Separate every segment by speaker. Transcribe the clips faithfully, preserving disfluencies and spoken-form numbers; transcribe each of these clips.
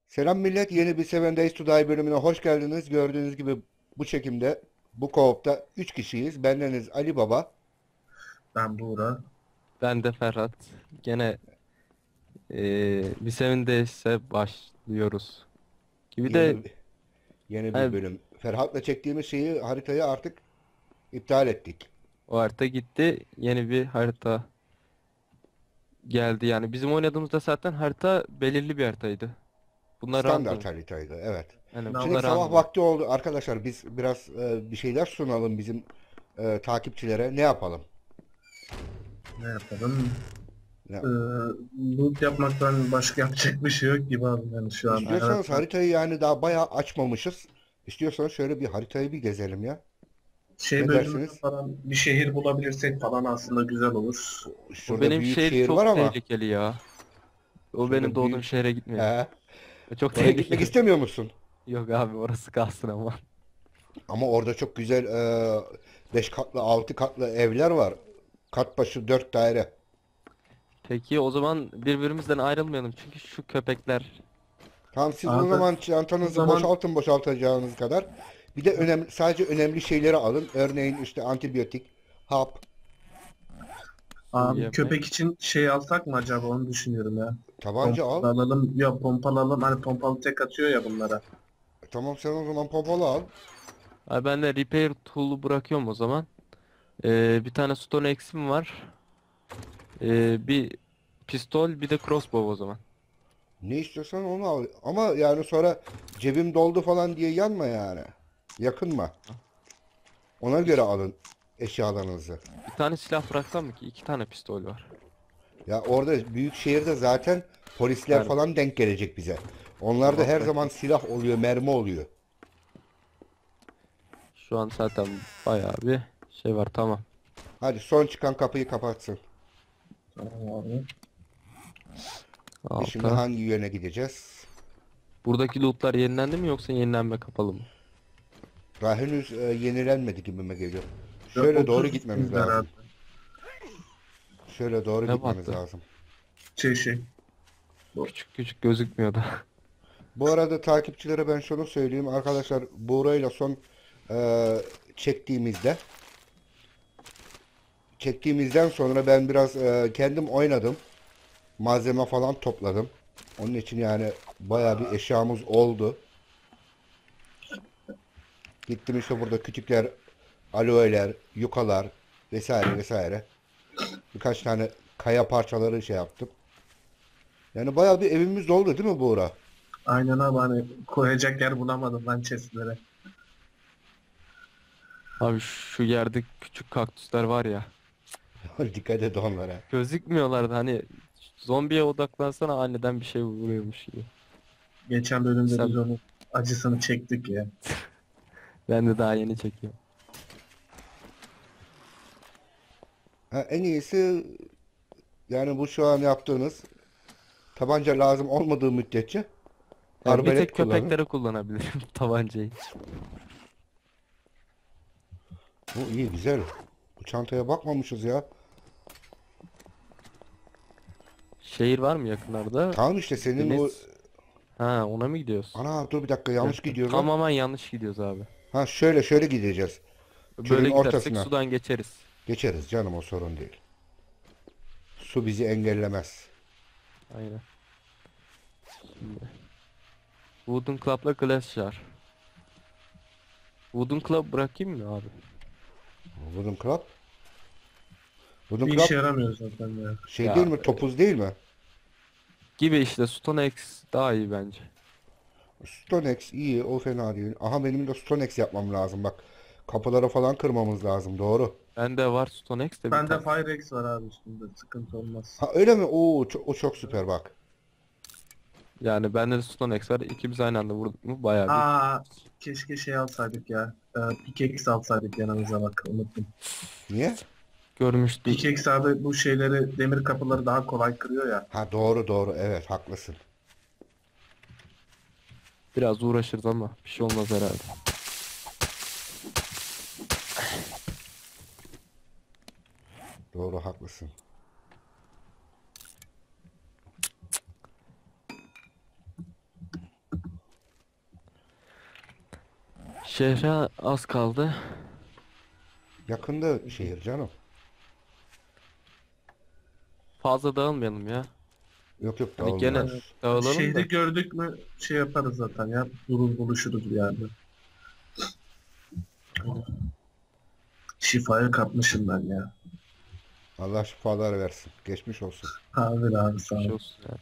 Speaker 1: Selam millet, yeni bir Seven Days to Die bölümüne hoş geldiniz. Gördüğünüz gibi bu çekimde, bu co-op'ta üç kişiyiz. Bendeniz Ali Baba.
Speaker 2: Ben Buğra.
Speaker 3: Ben de Ferhat. Gene eee bir sevindeyse başlıyoruz. Gibi de
Speaker 1: Yeni yeni bir
Speaker 3: hani
Speaker 1: bölüm. Ferhat'la çektiğimiz şeyi, haritayı artık iptal ettik.
Speaker 3: o harita gitti. Yeni bir harita geldi. Yani bizim oynadığımızda zaten harita belirli bir haritaydı. Bunlar
Speaker 1: Standart
Speaker 3: random.
Speaker 1: haritaydı, evet.
Speaker 3: Yani
Speaker 2: Ne
Speaker 1: Şimdi
Speaker 3: bunlar
Speaker 1: sabah
Speaker 3: random.
Speaker 1: vakti oldu. Arkadaşlar biz biraz e, bir şeyler sunalım bizim e, takipçilere. Ne yapalım?
Speaker 2: Ne yapalım?
Speaker 1: Ne?
Speaker 2: Ee, Loot yapmaktan başka yapacak bir şey yok gibi abi yani şu an. Evet.
Speaker 1: İstiyorsanız haritayı yani daha bayağı açmamışız. İstiyorsanız şöyle bir haritayı bir gezelim ya.
Speaker 2: Şey
Speaker 1: Ne
Speaker 2: bölümünde
Speaker 1: dersiniz?
Speaker 2: falan bir şehir bulabilirsek falan aslında güzel olur.
Speaker 3: O
Speaker 1: Şurada
Speaker 3: benim
Speaker 1: büyük
Speaker 3: şehir
Speaker 1: şehir var
Speaker 3: çok
Speaker 1: ama.
Speaker 3: tehlikeli ya. O benim
Speaker 1: Şurada
Speaker 3: doğduğum
Speaker 1: büyük.
Speaker 3: şehre gitmeyelim.
Speaker 1: He.
Speaker 3: O çok
Speaker 1: Oraya gitmek
Speaker 3: tehlikeli.
Speaker 1: istemiyor musun?
Speaker 3: Yok abi, orası kalsın ama.
Speaker 1: Ama orada çok güzel beş katlı altı katlı evler var. Kat başı dört daire.
Speaker 3: Peki o zaman birbirimizden ayrılmayalım. Çünkü şu köpekler.
Speaker 1: Tamam siz o
Speaker 2: Abi
Speaker 1: zaman
Speaker 2: o
Speaker 1: çantanızı
Speaker 2: zaman
Speaker 1: boşaltın boşaltacağınız kadar. Bir de önemli, sadece önemli şeyleri alın. Örneğin işte antibiyotik, hap,
Speaker 3: Su,
Speaker 2: abi
Speaker 3: yemek.
Speaker 2: köpek için şey alsak mı acaba onu düşünüyorum ya.
Speaker 1: tabanca al.
Speaker 2: Pompalı alalım. Ya pompalı alalım. Hani pompalı tek atıyor ya bunlara.
Speaker 1: Tamam sen o zaman pompalı al.
Speaker 3: Abi ben de repair tool'u bırakıyorum o zaman. Ee, bir tane stone axe'im var. Ee, bir pistol, bir de crossbow o zaman.
Speaker 1: Ne istiyorsan onu al. Ama yani sonra cebim doldu falan diye yanma yani. Yakınma. Ona göre
Speaker 3: İki,
Speaker 1: alın eşyalarınızı.
Speaker 3: bir tane silah bıraksam mı ki? İki tane pistol var.
Speaker 1: Ya orada büyük şehirde zaten polisler
Speaker 3: Yani
Speaker 1: falan denk gelecek bize. Onlarda
Speaker 3: tamam,
Speaker 1: her zaman
Speaker 3: bırakayım.
Speaker 1: silah oluyor, mermi oluyor.
Speaker 3: Şu an zaten bayağı bir şey var, tamam.
Speaker 1: Hadi son çıkan kapıyı kapatsın.
Speaker 2: Tamam abi.
Speaker 1: Biz şimdi
Speaker 3: Alta.
Speaker 1: hangi yöne gideceğiz?
Speaker 3: Buradaki lootlar yenilendi mi yoksa yenilenme kapalı mı?
Speaker 1: Daha henüz e, yenilenmedi gibime geliyor.
Speaker 2: Ve
Speaker 1: Şöyle doğru
Speaker 2: otuz
Speaker 1: gitmemiz
Speaker 2: bizler
Speaker 1: lazım.
Speaker 2: abi.
Speaker 1: Şöyle doğru
Speaker 3: Ne
Speaker 1: gitmemiz
Speaker 3: battı?
Speaker 1: lazım.
Speaker 2: Şey şey. Bu.
Speaker 3: Küçük küçük gözükmüyordu.
Speaker 1: Bu arada takipçilere ben şunu söyleyeyim. Arkadaşlar Buğra'yla son e, çektiğimizde çektiğimizden sonra ben biraz e, kendim oynadım. Malzeme falan topladım. Onun için yani bayağı bir eşyamız oldu. Gittim işte burada küçükler, aloe'ler, yukalar vesaire vesaire. Birkaç tane kaya parçaları şey yaptım. Yani bayağı bir evimiz doldu değil mi Buğra?
Speaker 2: Aynen abi hani koyacak yer bulamadım ben chestlere.
Speaker 3: Abi şu yerde küçük kaktüsler var ya.
Speaker 1: Dikkat et onlara.
Speaker 3: Gözükmüyorlardı, hani zombiye odaklansana aniden bir şey vuruyormuş gibi.
Speaker 2: Geçen bölümde biz
Speaker 3: Sen,
Speaker 2: onun acısını çektik ya.
Speaker 3: ben de daha yeni çekiyorum.
Speaker 1: Ha, en iyisi yani bu şu an yaptığınız tabanca lazım olmadığı müddetçe
Speaker 3: Yani bir
Speaker 1: arbalet
Speaker 3: tek
Speaker 1: kullanın.
Speaker 3: köpeklere kullanabilirim tabancayı.
Speaker 1: Bu iyi güzel. Bu çantaya bakmamışız ya.
Speaker 3: Şehir var mı yakınlarda?
Speaker 1: Tamam işte senin o...
Speaker 3: Deniz. Ha, ona mı gidiyoruz?
Speaker 1: Ana dur bir dakika
Speaker 3: Bir
Speaker 1: yanlış
Speaker 3: dakika.
Speaker 1: gidiyoruz lan.
Speaker 3: Tamamen yanlış gidiyoruz abi.
Speaker 1: Ha şöyle şöyle gideceğiz. Çölün
Speaker 3: Böyle gidersek
Speaker 1: ortasına.
Speaker 3: sudan geçeriz.
Speaker 1: Geçeriz canım o sorun değil. Su bizi engellemez.
Speaker 3: Aynen. Şimdi. Wooden Club'la Glass Jar. Wooden Club bırakayım mı abi?
Speaker 1: Wooden Club. Wooden
Speaker 2: Bir
Speaker 1: Club
Speaker 2: işe yaramıyor zaten ya.
Speaker 1: şey değil
Speaker 3: Ya
Speaker 1: mi? Topuz değil mi?
Speaker 3: gibi işte, Stone Axe daha iyi bence.
Speaker 1: Stonex iyi o fena değil. Aha benim de Stonex yapmam lazım bak. Kapıları falan kırmamız lazım doğru.
Speaker 3: Bende var Stone Axe de bir
Speaker 2: Bende
Speaker 3: tane.
Speaker 2: Firex var abi üstünde. Sıkıntı olmaz.
Speaker 1: Ha öyle mi? Oo ço- o çok süper bak.
Speaker 3: Yani bende de Stone Axe var. İkimiz aynı anda vurduk mu bayağı bir.
Speaker 2: Aa, keşke şey alsaydık ya. Ee, pickaxe alsaydık yanımıza bak unuttum.
Speaker 1: Niye?
Speaker 3: Görmüştü.
Speaker 2: Pickaxe abi bu şeyleri demir kapıları daha kolay kırıyor ya.
Speaker 1: Ha doğru doğru evet haklısın.
Speaker 3: Biraz uğraşırız ama bir şey olmaz herhalde.
Speaker 1: Doğru haklısın.
Speaker 3: Şehre az kaldı.
Speaker 1: Yakında şehir canım.
Speaker 3: Fazla dağılmayalım ya.
Speaker 1: Yok yok
Speaker 3: Hani gene
Speaker 1: dağılmıyoruz.
Speaker 3: dağılalım da.
Speaker 2: Şehri gördük mü şey yaparız zaten ya. Durur buluşuruz bir yerde. Şifayı kapmışım ben ya.
Speaker 1: Allah şifalar versin. Geçmiş olsun.
Speaker 2: Abi abi sağ
Speaker 3: Bir şey
Speaker 2: ol.
Speaker 3: olsun yani.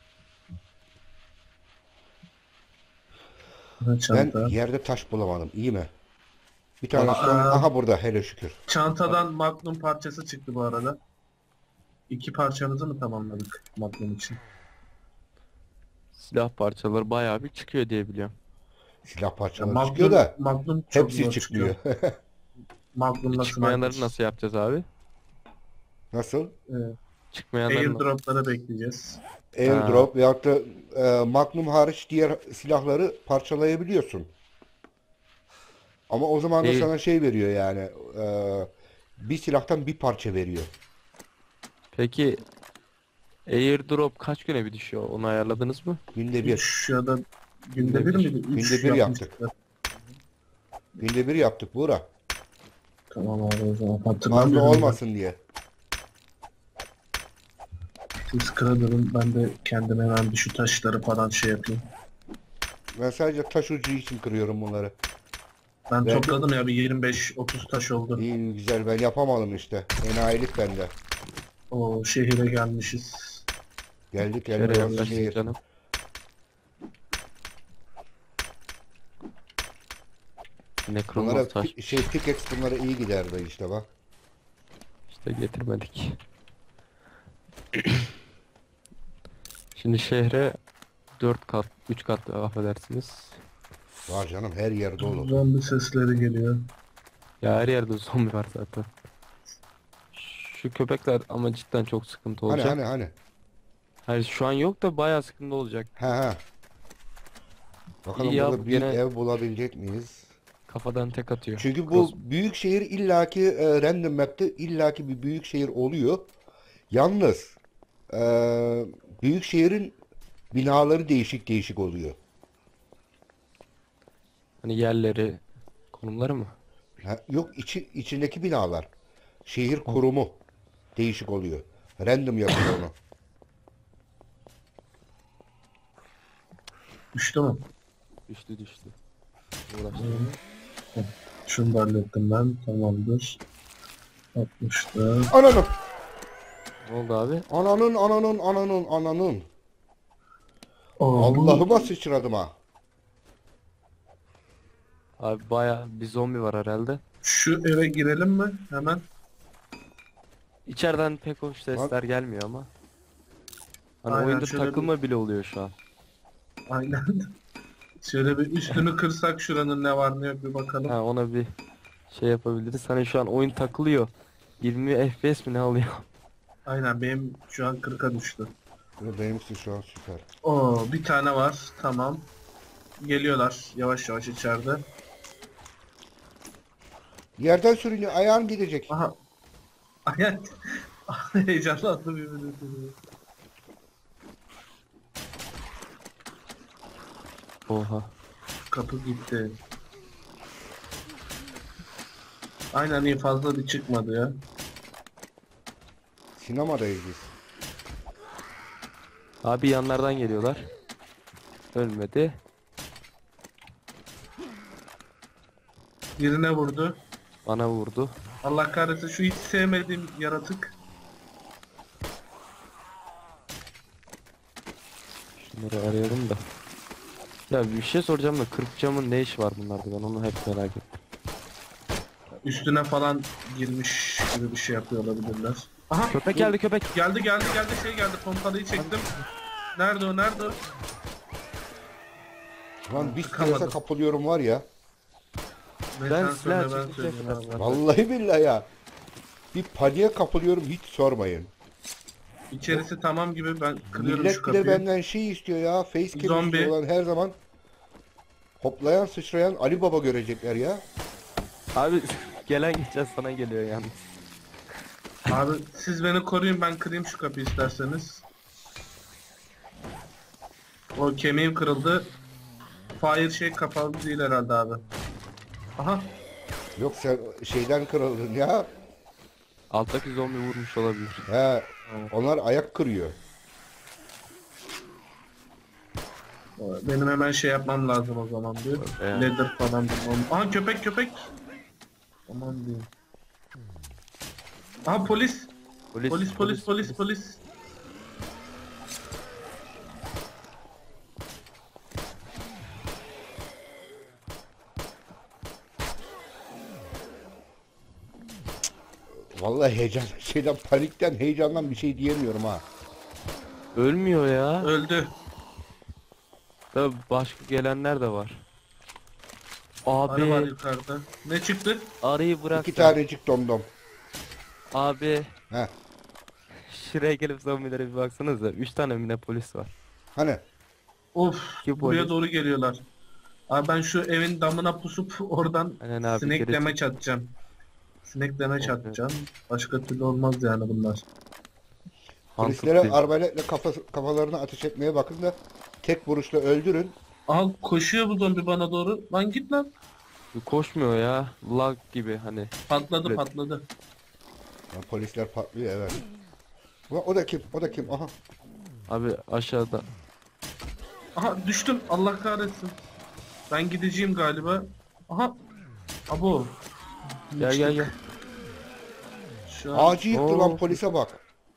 Speaker 2: Ha,
Speaker 1: Ben
Speaker 2: çanta.
Speaker 1: yerde taş bulamadım. İyi mi? Bir tane
Speaker 2: Aa.
Speaker 1: son. Aha burada hele şükür.
Speaker 2: Çantadan Magnum parçası çıktı bu arada. İki parçamızı mı tamamladık Magnum için?
Speaker 3: Silah parçaları bayağı bir çıkıyor diye biliyorum.
Speaker 1: Silah
Speaker 2: Ya
Speaker 1: parçaları
Speaker 2: Magnum,
Speaker 1: çıkıyor da
Speaker 2: Magnum çok
Speaker 1: hepsi
Speaker 2: zor
Speaker 1: çıkmıyor.
Speaker 2: çıkıyor. Magnum'la
Speaker 3: Çıkmayanları
Speaker 2: sniper.
Speaker 3: nasıl yapacağız abi?
Speaker 1: Nasıl?
Speaker 2: Evet.
Speaker 3: Çıkmayanları nasıl?
Speaker 2: Airdrop'ları bekleyeceğiz.
Speaker 1: Airdrop veyahut da e, Magnum hariç diğer silahları parçalayabiliyorsun. Ama o zaman da
Speaker 3: Değil.
Speaker 1: sana şey veriyor yani. e, bir silahtan bir parça veriyor.
Speaker 3: Peki airdrop kaç güne bir düşüyor? Onu ayarladınız mı?
Speaker 1: Günde bir.
Speaker 2: üç ya da günde
Speaker 3: Günde
Speaker 2: bir
Speaker 3: bir.
Speaker 2: miydi?
Speaker 1: Günde
Speaker 2: üç
Speaker 1: bir
Speaker 2: yapmıştık
Speaker 1: yaptık.
Speaker 2: da.
Speaker 1: Günde bir yaptık Buğra.
Speaker 2: Tamam abi o zaman
Speaker 1: Fazla
Speaker 2: hatırlamıyorum.
Speaker 1: olmasın diye.
Speaker 2: Siz kırılırım ben de kendime hemen bir şu taşları falan şey yapayım.
Speaker 1: Ben sadece taş ucu için kırıyorum bunları.
Speaker 2: Ben
Speaker 1: Ben-
Speaker 2: topladım ya bir yirmi beş otuz taş oldu.
Speaker 1: İyi güzel ben yapamadım işte. Enayilik bende.
Speaker 2: O şehire gelmişiz.
Speaker 1: Geldik
Speaker 3: Şehre
Speaker 1: geldik.
Speaker 3: yaklaştık
Speaker 1: Şehir.
Speaker 3: canım. Yine
Speaker 1: Bunlara
Speaker 3: kırılmaz taş.
Speaker 1: pi- şey pickaxe bunlara iyi giderdi işte bak.
Speaker 3: İşte getirmedik. Şimdi şehre dört kat, üç kat affedersiniz.
Speaker 1: Var canım her yer dolu.
Speaker 2: Zombi sesleri geliyor.
Speaker 3: Ya her yerde zombi var zaten. Şu köpekler ama cidden çok sıkıntı
Speaker 1: Hani
Speaker 3: olacak.
Speaker 1: hani hani.
Speaker 3: Hayır şu an yok da bayağı sıkıntı olacak.
Speaker 1: Ha ha. Bakalım
Speaker 3: İyi ya,
Speaker 1: burada
Speaker 3: bu
Speaker 1: büyük
Speaker 3: gene-
Speaker 1: ev bulabilecek miyiz?
Speaker 3: Kafadan tek atıyor.
Speaker 1: Çünkü bu
Speaker 3: Cross-
Speaker 1: büyük şehir illaki e, random map'te illaki bir büyük şehir oluyor. Yalnız e, büyük şehrin binaları değişik değişik oluyor.
Speaker 3: Hani yerleri, konumları mı?
Speaker 1: Ha, yok içi içindeki binalar. Şehir kurumu değişik oluyor. Random yapıyor onu.
Speaker 2: Düştü mü?
Speaker 3: Düştü düştü. Uğraştım.
Speaker 2: Şunu da hallettim ben. Tamamdır. altmışta.
Speaker 1: Ananın,
Speaker 3: Ne oldu abi?
Speaker 1: ananın, ananın, ananın, ananın.
Speaker 2: Aa, bu-
Speaker 1: Allah'ıma sıçradım ha.
Speaker 3: Abi bayağı bir zombi var herhalde.
Speaker 2: Şu eve girelim mi? Hemen.
Speaker 3: İçeriden pek hoş sesler gelmiyor ama. Hani
Speaker 2: Aynen,
Speaker 3: oyunda
Speaker 2: şöyle bir-
Speaker 3: takılma bile oluyor şu an.
Speaker 2: Aynen. Şöyle bir üstünü kırsak şuranın ne var ne yok bir bakalım.
Speaker 3: Ha ona bir şey yapabiliriz. Hani şu an oyun takılıyor. yirmi F P S mi ne alıyor?
Speaker 2: Aynen benim şu an kırka düştü.
Speaker 1: Benimkisi şu an süper.
Speaker 2: Oo bir tane var. Tamam. Geliyorlar yavaş yavaş içeride.
Speaker 1: Yerden sürünüyor, ayağın gidecek.
Speaker 2: Aha. Aynen. Heyecanlandım yemin ederim.
Speaker 3: Oha.
Speaker 2: Kapı gitti. Aynen iyi fazla bir çıkmadı ya.
Speaker 1: Sinemadayız biz.
Speaker 3: Abi yanlardan geliyorlar. Ölmedi.
Speaker 2: Birine vurdu.
Speaker 3: Bana vurdu.
Speaker 2: Allah kahretsin şu hiç sevmediğim yaratık.
Speaker 3: Şunları arayalım da. Ya bir şey soracağım da kırk camın ne işi var bunlarda, ben onu hep merak ettim.
Speaker 2: Üstüne falan girmiş gibi bir şey yapıyor olabilirler. Aha
Speaker 3: Köpek
Speaker 2: bu-
Speaker 3: geldi köpek.
Speaker 2: Geldi geldi geldi şey geldi pompalıyı çektim. Nerede o nerede o?
Speaker 1: Lan bir
Speaker 2: Tıkamadım.
Speaker 1: strese kapılıyorum var ya.
Speaker 2: Ne
Speaker 3: Ben
Speaker 2: sen
Speaker 3: silah
Speaker 2: söyle, ben
Speaker 3: çekeceğim
Speaker 2: söyleyeyim
Speaker 3: biraz.
Speaker 2: abi.
Speaker 1: Vallahi billahi ya. Bir paniğe kapılıyorum hiç sormayın.
Speaker 2: İçerisi tamam gibi ben kırıyorum şu
Speaker 1: Millet bile
Speaker 2: kapıyı.
Speaker 1: benden şey istiyor ya. Facecam
Speaker 2: Zombi.
Speaker 1: istiyorlar her zaman. Hoplayan sıçrayan Ali Baba görecekler ya.
Speaker 3: Abi gelen geçen sana geliyor yalnız.
Speaker 2: Abi siz beni koruyun ben kırayım şu kapıyı isterseniz. O kemiğim kırıldı. Fire şey kapalı değil herhalde abi. Aha.
Speaker 1: Yok sen şeyden kırıldın ya.
Speaker 3: Alttaki zombi vurmuş olabilir.
Speaker 1: He, onlar ayak kırıyor.
Speaker 2: Benim hemen şey yapmam lazım o zaman diyor.
Speaker 3: Evet.
Speaker 2: Leather falan bulmam. Aha köpek köpek. Aman diyeyim. Aha polis.
Speaker 3: Polis,
Speaker 2: Polis polis polis polis.
Speaker 1: Vallahi heyecan, şeyden panikten, heyecandan bir şey diyemiyorum ha.
Speaker 3: Ölmüyor ya.
Speaker 2: Öldü.
Speaker 3: Tabii başka gelenler de var.
Speaker 2: Arı var
Speaker 3: Abi
Speaker 2: yukarıda. Ne çıktı?
Speaker 3: arıyı bırak
Speaker 1: İki
Speaker 3: da.
Speaker 1: tanecik domdom.
Speaker 3: Abi
Speaker 1: He,
Speaker 3: şuraya gelip zombilere bir baksanıza. Üç tane mi ne polis var.
Speaker 1: hani?
Speaker 2: Of,
Speaker 3: İki
Speaker 2: buraya
Speaker 3: polis.
Speaker 2: doğru geliyorlar. Abi ben şu evin damına pusup oradan
Speaker 3: Aynen abi,
Speaker 2: sinek
Speaker 3: geri
Speaker 2: demeç atacağım. Sinek demeç
Speaker 3: Evet.
Speaker 2: atacağım. Başka türlü olmaz yani bunlar.
Speaker 1: Polislere
Speaker 3: Mantıklı.
Speaker 1: arbaletle kafa, kafalarına ateş etmeye bakın da tek vuruşla öldürün.
Speaker 2: Al koşuyor bu zombi bana doğru. Lan git lan.
Speaker 3: Koşmuyor ya. Lag gibi hani.
Speaker 2: Patladı
Speaker 3: Evet.
Speaker 2: patladı.
Speaker 1: Ya polisler patlıyor, evet. Ulan o da kim? O da kim? Aha.
Speaker 3: Abi aşağıda.
Speaker 2: Aha düştüm. Allah kahretsin. Ben gideceğim galiba. Aha. Abo.
Speaker 3: Gel gel gel.
Speaker 2: Şu an
Speaker 1: Ağacı yıktı lan,
Speaker 3: Oo.
Speaker 1: polise bak.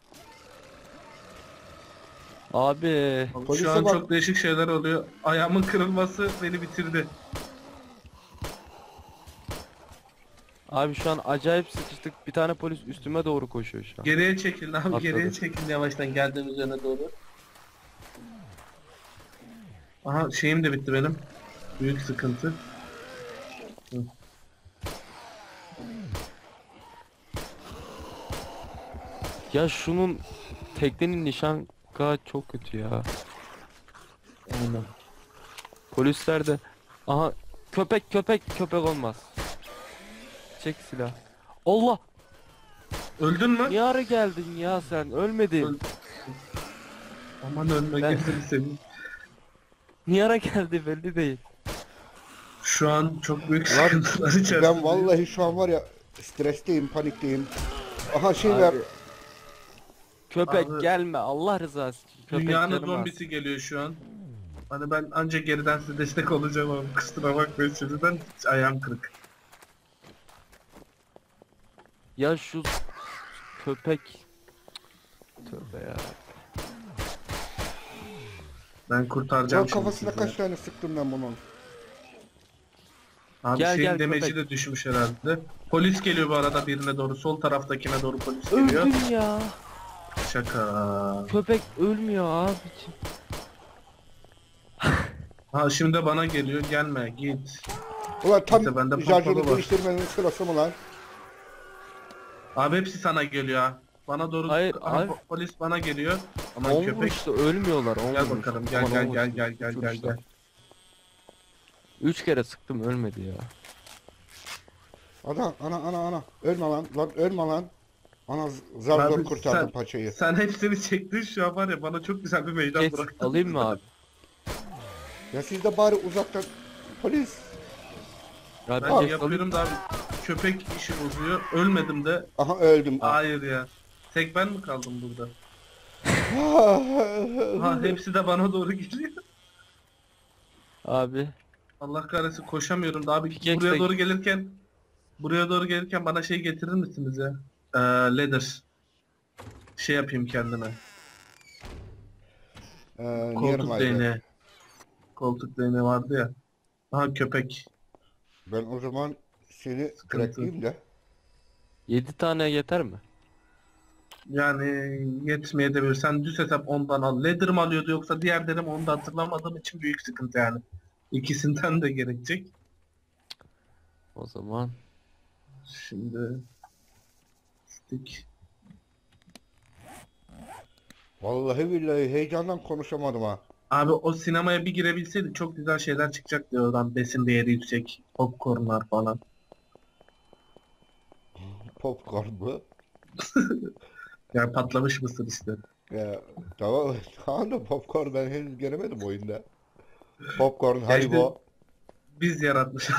Speaker 3: Abi.
Speaker 1: Polise
Speaker 2: şu an
Speaker 1: bak.
Speaker 2: çok değişik şeyler oluyor. Ayağımın kırılması beni bitirdi.
Speaker 3: Abi şu an acayip sıkıştık. Bir tane polis üstüme doğru koşuyor şu an.
Speaker 2: Geriye çekilin abi.
Speaker 3: Atladı.
Speaker 2: Geriye çekilin yavaştan geldiğimiz yöne doğru. Aha şeyim de bitti benim. Büyük sıkıntı. Hı.
Speaker 3: Ya şunun teknenin nişan çok kötü ya.
Speaker 2: Aynen.
Speaker 3: Polisler de aha köpek köpek köpek olmaz. Çek silah. Allah!
Speaker 2: Öldün mü?
Speaker 3: Niye ara geldin ya sen? Ölmedin.
Speaker 2: Öl- Aman ölme
Speaker 3: Ben-
Speaker 2: gözünü seveyim.
Speaker 3: Niye ara geldi belli değil.
Speaker 2: Şu an çok büyük
Speaker 1: Lan
Speaker 2: sıkıntılar içerisinde.
Speaker 1: ben vallahi şu an var ya, stresteyim, panikteyim. Aha şey ver.
Speaker 3: Abi, köpek
Speaker 2: Abi,
Speaker 3: gelme Allah rızası için. Köpek
Speaker 2: Dünyanın
Speaker 3: canım az.
Speaker 2: zombisi geliyor şu an. Hani ben ancak geriden size destek olacağım ama kusura bakmayın şimdiden ayağım kırık.
Speaker 3: Ya şu köpek. Tövbe ya.
Speaker 2: Ben kurtaracağım
Speaker 1: Lan
Speaker 2: şimdi
Speaker 1: kafasına
Speaker 2: sizi.
Speaker 1: kaç tane sıktım ben bunun.
Speaker 2: Abi
Speaker 3: Gel,
Speaker 2: şeyin
Speaker 3: gel
Speaker 2: demeci
Speaker 3: köpek.
Speaker 2: de düşmüş herhalde. Polis geliyor bu arada birine doğru. Sol taraftakine doğru polis geliyor.
Speaker 3: Öldüm ya.
Speaker 2: Şaka.
Speaker 3: Köpek ölmüyor abiciğim.
Speaker 2: Ha şimdi de bana geliyor. Gelme git.
Speaker 1: Ulan tam
Speaker 2: Neyse, bende
Speaker 1: şarjını
Speaker 2: pompalı var.
Speaker 1: değiştirmenin sırası mı lan?
Speaker 2: Abi hepsi sana geliyor ha. Bana doğru.
Speaker 3: Hayır,
Speaker 2: Aha,
Speaker 3: abi.
Speaker 2: po- polis bana geliyor. Aman
Speaker 3: On
Speaker 2: köpek.
Speaker 3: vuruşta ölmüyorlar. On
Speaker 2: Gel
Speaker 3: vuruş.
Speaker 2: bakalım. Gel
Speaker 3: Aman,
Speaker 2: gel
Speaker 3: on
Speaker 2: gel
Speaker 3: vuruş.
Speaker 2: gel gel
Speaker 3: Üç
Speaker 2: gel
Speaker 3: vuruşta.
Speaker 2: gel.
Speaker 3: Üç kere sıktım ölmedi ya.
Speaker 1: Ana ana ana ana. Ölme lan. Lan ölme lan. Ana z- zar zor
Speaker 2: Abi
Speaker 1: kurtardım
Speaker 2: sen-
Speaker 1: paçayı.
Speaker 2: Sen hepsini çektin şu an var ya bana çok güzel bir meydan
Speaker 3: Geç,
Speaker 2: bıraktın.
Speaker 3: alayım mı abi?
Speaker 1: Ya siz de bari uzaktan polis.
Speaker 3: Ya
Speaker 2: Ben
Speaker 3: bir geç
Speaker 2: yapıyorum da abi köpek işi bozuyor. Ölmedim de.
Speaker 1: Aha öldüm.
Speaker 2: Hayır ya. Tek ben mi kaldım burada? Ha hepsi de bana doğru geliyor.
Speaker 3: Abi.
Speaker 2: Allah kahretsin koşamıyorum da abi
Speaker 3: Pickaxe
Speaker 2: buraya
Speaker 3: de-
Speaker 2: doğru gelirken buraya doğru gelirken bana şey getirir misiniz ya? Ee, leather. Şey yapayım kendime.
Speaker 1: Ee, near
Speaker 2: Koltuk
Speaker 1: my bed.
Speaker 2: değneği. Koltuk değneği vardı ya. Aha köpek.
Speaker 1: Ben o zaman seni
Speaker 2: Sıkıntı.
Speaker 1: bırakayım da.
Speaker 3: Yedi tane yeter mi?
Speaker 2: Yani yetmeyebilir. Sen düz hesap ondan al. Leather mı alıyordu yoksa diğer derim onu da hatırlamadığım için büyük sıkıntı yani. İkisinden de gerekecek.
Speaker 3: O zaman
Speaker 2: Şimdi stick.
Speaker 1: Vallahi billahi heyecandan konuşamadım ha.
Speaker 2: Abi o sinemaya bir girebilseydik çok güzel şeyler çıkacaktı oradan. Besin değeri yüksek. Popcornlar falan.
Speaker 1: Popcorn mu?
Speaker 2: Yani patlamış mısır işte.
Speaker 1: Ya tamam. Tamam da popcorn ben henüz göremedim oyunda. Popcorn,
Speaker 2: Ya
Speaker 1: Haribo.
Speaker 2: Biz yaratmışız.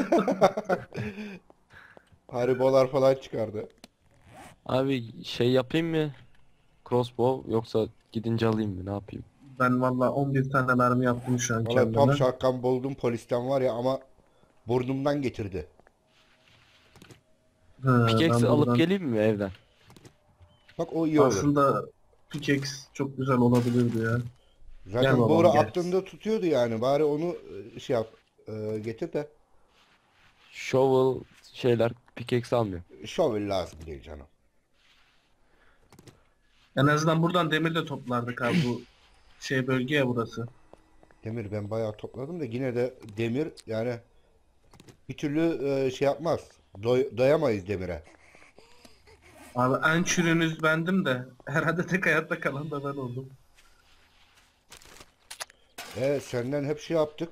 Speaker 1: Haribolar falan çıkardı.
Speaker 3: Abi şey yapayım mı? Crossbow yoksa gidince alayım mı? Ne yapayım?
Speaker 2: Ben valla on bir tane mermi yaptım şu an
Speaker 1: Valla pump
Speaker 2: kendime.
Speaker 1: shotgun buldum polisten var ya ama burnumdan getirdi.
Speaker 2: Hı,
Speaker 3: Pickaxe
Speaker 2: ben
Speaker 3: alıp
Speaker 2: buradan
Speaker 3: geleyim mi evden?
Speaker 1: Bak o iyi olur.
Speaker 2: aslında pickaxe çok güzel olabilirdi ya. Gel
Speaker 1: Zaten
Speaker 2: babam,
Speaker 1: Buğra
Speaker 2: gel.
Speaker 1: aklında tutuyordu yani. Bari onu e, şey yap, e, getir de.
Speaker 3: Shovel şeyler pickaxe almıyor.
Speaker 1: Shovel lazım değil canım.
Speaker 2: En azından buradan demir de toplardık abi, bu şey bölge ya burası.
Speaker 1: Demir ben bayağı topladım da yine de demir yani bir türlü e, şey yapmaz. Doy- dayamayız demire.
Speaker 2: Abi en çürünüz bendim de herhalde tek hayatta kalan da ben oldum.
Speaker 1: E senden hep şey yaptık.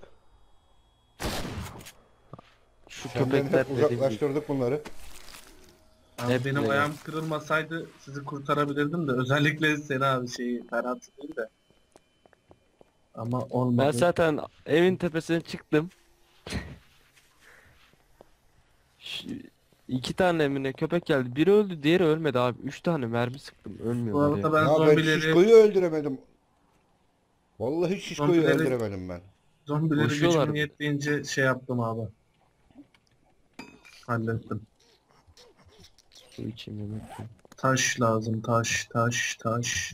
Speaker 3: Şu
Speaker 1: Senden
Speaker 3: köpekler
Speaker 1: hep
Speaker 3: dediğim gibi.
Speaker 1: uzaklaştırdık bunları.
Speaker 2: Abi
Speaker 3: Hep
Speaker 2: benim
Speaker 3: böyle.
Speaker 2: ayağım kırılmasaydı sizi kurtarabilirdim de, özellikle seni abi, şeyi Ferhat değil de. Ama
Speaker 3: Ben
Speaker 2: olmadı.
Speaker 3: zaten evin tepesine çıktım. Şu- İki tane mi ne köpek geldi. Biri öldü, diğeri ölmedi abi. Üç tane mermi sıktım.
Speaker 2: Bu
Speaker 3: Ölmüyorlar ya.
Speaker 2: arada ben
Speaker 1: Ya ben
Speaker 2: zombileri
Speaker 1: Şişko'yu öldüremedim. Vallahi Şişko'yu
Speaker 2: Zombileri-
Speaker 1: öldüremedim ben.
Speaker 2: zombileri
Speaker 3: Koşuyorlar.
Speaker 2: gücüm yettiğince şey yaptım abi. Hallettim.
Speaker 3: Su içeyim yemek yiyeyim.
Speaker 2: Taş lazım, taş, taş, taş.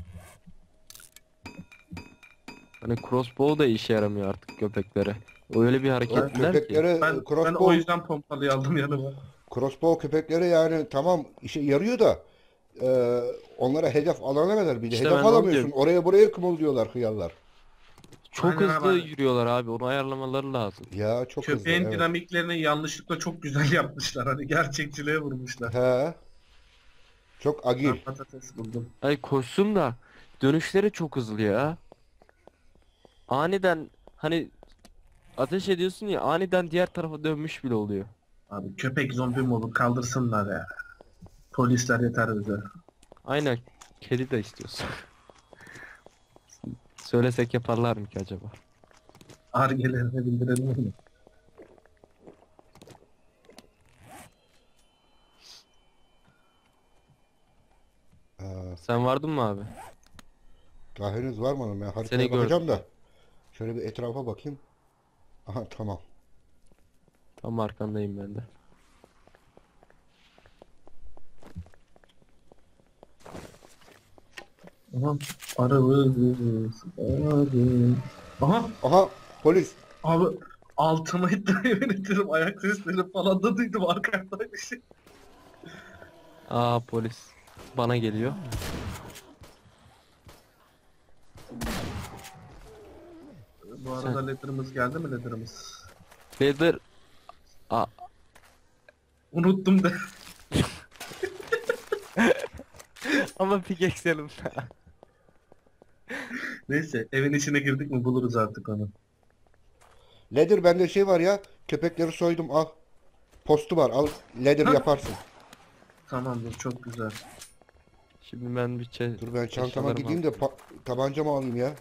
Speaker 3: Hani crossbow da işe yaramıyor artık köpeklere. Öyle bir
Speaker 1: O
Speaker 3: hareketliler ki.
Speaker 1: köpeklere
Speaker 2: Ben, ben
Speaker 1: crossbow,
Speaker 2: o yüzden pompalıyı aldım yanıma.
Speaker 1: crossbow köpeklere yani tamam işe yarıyor da e, onlara hedef alana kadar bir de
Speaker 3: İşte
Speaker 1: hedef
Speaker 3: ben de onu
Speaker 1: alamıyorsun.
Speaker 3: diyorum.
Speaker 1: Oraya buraya kımıldıyorlar hıyarlar.
Speaker 3: Çok
Speaker 2: Aynen
Speaker 3: hızlı
Speaker 2: abi.
Speaker 3: yürüyorlar abi. Onu ayarlamaları lazım.
Speaker 1: Ya çok hızlı.
Speaker 2: Köpeğin
Speaker 1: Evet.
Speaker 2: dinamiklerini yanlışlıkla çok güzel yapmışlar. Hani gerçekçiliğe vurmuşlar.
Speaker 1: He. Çok agil.
Speaker 2: Ben patates buldum.
Speaker 3: Ay koşsun da dönüşleri çok hızlı ya. Aniden hani ateş ediyorsun ya, aniden diğer tarafa dönmüş bile oluyor.
Speaker 2: Abi köpek zombi mi olur, kaldırsınlar ya. Polisler yeter bize.
Speaker 3: Aynen, kedi de istiyorsun. Söylesek yaparlar mı ki acaba?
Speaker 2: Argelerine bildirelim mi?
Speaker 1: Aa,
Speaker 3: Sen vardın mı abi?
Speaker 1: daha henüz var mı? Ben haritaya
Speaker 3: Seni
Speaker 1: bakacağım
Speaker 3: gördüm.
Speaker 1: da. Şöyle bir etrafa bakayım. Aha tamam.
Speaker 3: Tam arkandayım ben de.
Speaker 2: Aha. Arabız. Arabız. Aha.
Speaker 1: Aha polis.
Speaker 2: Abi altıma iddia yönetirim. Ayak sesleri falan da duydum arkamda bir şey.
Speaker 3: Aa, polis bana geliyor.
Speaker 2: Bu arada letter'ımız geldi mi, letter'ımız?
Speaker 3: Leather. Aa,
Speaker 2: Unuttum da.
Speaker 3: ama pickaxe yanımda.
Speaker 2: Neyse, evin içine girdik mi buluruz artık onu.
Speaker 1: Leather bende şey var ya. Köpekleri soydum al. Postu var al. Leather
Speaker 2: Ha?
Speaker 1: yaparsın.
Speaker 2: Tamamdır, çok güzel.
Speaker 3: Şimdi ben bir çe
Speaker 1: Dur ben çantama
Speaker 3: eşyalarımı
Speaker 1: gideyim de
Speaker 3: alayım.
Speaker 1: pa- tabancamı alayım ya.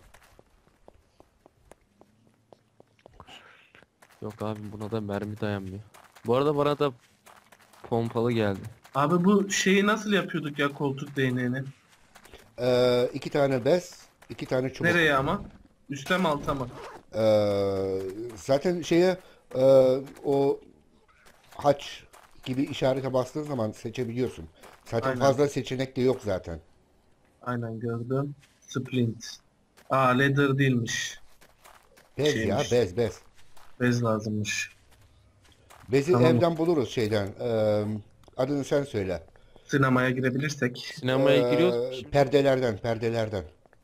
Speaker 3: Yok abi, buna da mermi dayanmıyor. Bu arada bana da pompalı geldi.
Speaker 2: Abi bu şeyi nasıl yapıyorduk ya, koltuk değneğini?
Speaker 1: Ee, iki tane bez, iki tane çubuk.
Speaker 2: Nereye ama? Üste mi alta mı?
Speaker 1: Ee, zaten şeye e, o haç gibi işarete bastığın zaman seçebiliyorsun. Zaten
Speaker 2: Aynen.
Speaker 1: fazla seçenek de yok zaten.
Speaker 2: Aynen gördüm. Splint. Aa, leather değilmiş.
Speaker 1: Bez
Speaker 2: Şeymiş.
Speaker 1: ya bez bez.
Speaker 2: Bez lazımmış.
Speaker 1: Bezi
Speaker 2: Tamam.
Speaker 1: evden buluruz şeyden. Ee, adını sen söyle.
Speaker 2: Sinemaya girebilirsek.
Speaker 3: Sinemaya
Speaker 1: Ee,
Speaker 3: giriyoruz. Şimdi
Speaker 1: perdelerden perdelerden.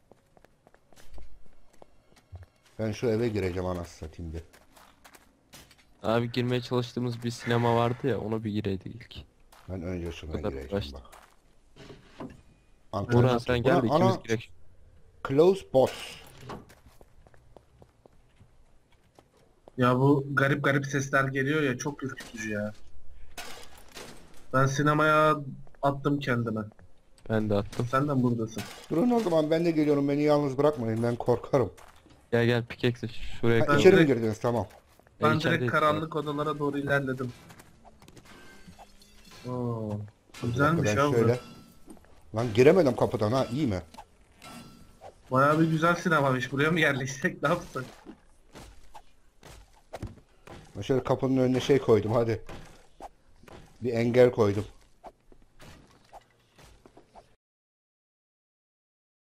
Speaker 1: Ben şu eve gireceğim anasını satayım bir.
Speaker 3: abi girmeye çalıştığımız bir sinema vardı ya, ona bir gireydik ilk.
Speaker 1: Ben önce şuna
Speaker 3: kadar
Speaker 1: gireceğim
Speaker 3: uğraştık.
Speaker 1: bak.
Speaker 3: Burhan
Speaker 1: Antalya.
Speaker 3: sen gel de
Speaker 1: Ulan
Speaker 3: ikimiz
Speaker 1: ana,
Speaker 3: girek.
Speaker 1: close box.
Speaker 2: Ya bu garip garip sesler geliyor ya, çok ürkütücü ya. Ben sinemaya attım kendime.
Speaker 3: Ben de attım.
Speaker 2: Sen de buradasın.
Speaker 1: Durun o zaman ben de geliyorum. Beni yalnız bırakmayın. Ben korkarım.
Speaker 3: Gel gel pickaxe şuraya
Speaker 1: Ha,
Speaker 2: Ben
Speaker 3: koy.
Speaker 1: içeri mi
Speaker 2: direkt-
Speaker 1: girdiniz? Tamam.
Speaker 2: Ben direkt
Speaker 3: içerideyiz şu an.
Speaker 2: karanlık odalara doğru ilerledim. Oo,
Speaker 1: Bir
Speaker 2: güzelmiş
Speaker 1: dakika,
Speaker 2: ya
Speaker 1: ben
Speaker 2: bu.
Speaker 1: şöyle. Lan giremedim kapıdan ha, iyi mi?
Speaker 2: Bayağı bir güzel sinemamış. Buraya mı yerleşsek ne yapsak?
Speaker 1: Ben şöyle kapının önüne şey koydum hadi. Bir engel koydum.